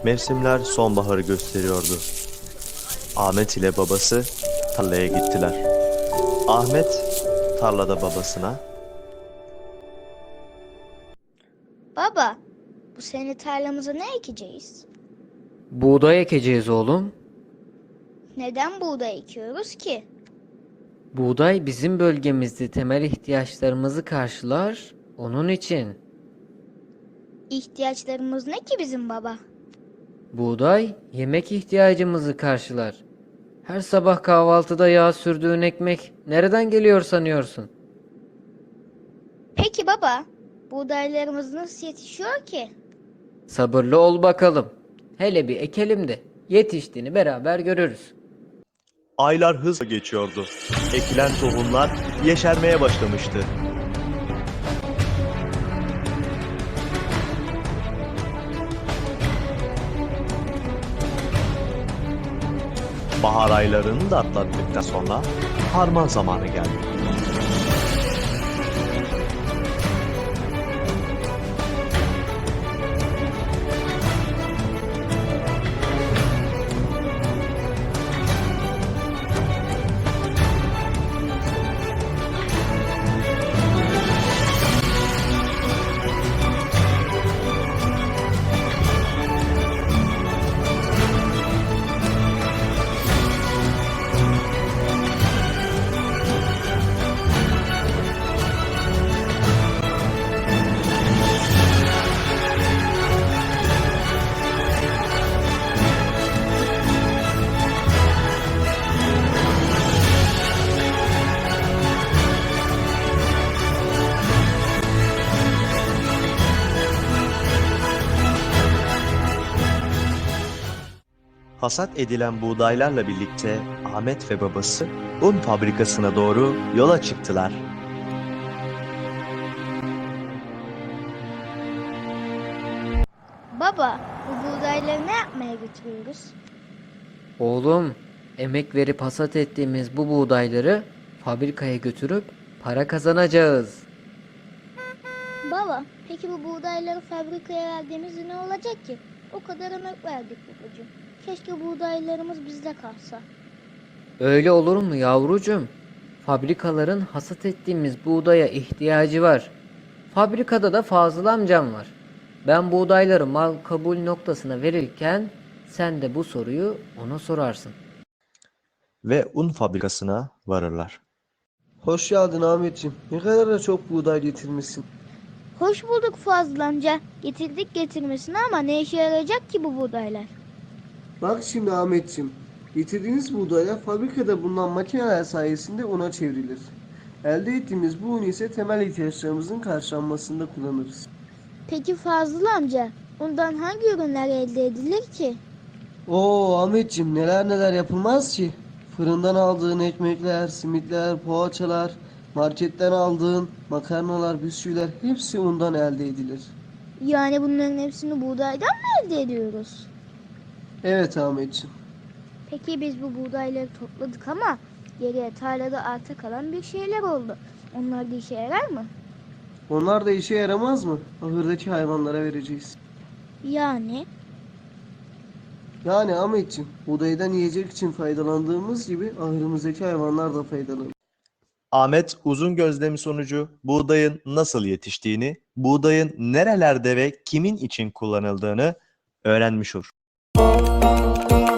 Mevsimler sonbaharı gösteriyordu. Ahmet ile babası tarlaya gittiler. Ahmet tarlada babasına, Baba, bu sene tarlamıza ne ekeceğiz? Buğday ekeceğiz oğlum. Neden buğday ekiyoruz ki? Buğday bizim bölgemizde temel ihtiyaçlarımızı karşılar. Onun için İhtiyaçlarımız ne ki bizim baba? buğday yemek ihtiyacımızı karşılar. Her sabah kahvaltıda yağ sürdüğün ekmek nereden geliyor sanıyorsun? Peki baba, buğdaylarımız nasıl yetişiyor ki? Sabırlı ol bakalım. Hele bir ekelim de yetiştiğini beraber görürüz. aylar hızla geçiyordu. Ekilen tohumlar yeşermeye başlamıştı. Bahar aylarını da atlattıktan sonra harman zamanı geldi. Hasat edilen buğdaylarla birlikte Ahmet ve babası un fabrikasına doğru yola çıktılar. Baba, bu buğdayları ne yapmaya götürüyoruz? Oğlum, emek verip hasat ettiğimiz bu buğdayları fabrikaya götürüp para kazanacağız. Baba, peki bu buğdayları fabrikaya verdiğimizde ne olacak ki? O kadar emek verdik babacığım. Keşke buğdaylarımız bizde kalsa. Öyle olur mu yavrucuğum? Fabrikaların hasat ettiğimiz buğdaya ihtiyacı var. Fabrikada da Fazıl amcam var. Ben buğdayları mal kabul noktasına verirken sen de bu soruyu ona sorarsın. Ve un fabrikasına varırlar. Hoş geldin Ahmetciğim. Ne kadar da çok buğday getirmişsin. Hoş bulduk Fazıl amca. Getirdik getirmesine ama ne işe yarayacak ki bu buğdaylar? Bak şimdi Ahmetciğim. Getirdiğiniz buğdaylar fabrikada bulunan makineler sayesinde una çevrilir. Elde ettiğimiz bu un ise temel ihtiyaçlarımızın karşılanmasında kullanırız. Peki Fazıl amca, ondan hangi ürünler elde edilir ki? Oo Ahmetciğim, neler neler yapılmaz ki. Fırından aldığın ekmekler, simitler, poğaçalar, marketten aldığın makarnalar, bisküviler hepsi undan elde edilir. Yani bunların hepsini buğdaydan mı elde ediyoruz? Evet Ahmetciğim. Peki biz bu buğdayları topladık ama geriye tarlada arta kalan bir şeyler oldu. Onlar da işe yarar mı? Onlar da işe yaramaz mı? Ahırdaki hayvanlara vereceğiz. Yani Yani Ahmetciğim, buğdaydan yiyecek için faydalandığımız gibi ahırımızdaki hayvanlar da faydalanır. Ahmet uzun gözlemi sonucu buğdayın nasıl yetiştiğini, buğdayın nerelerde ve kimin için kullanıldığını öğrenmiş olur.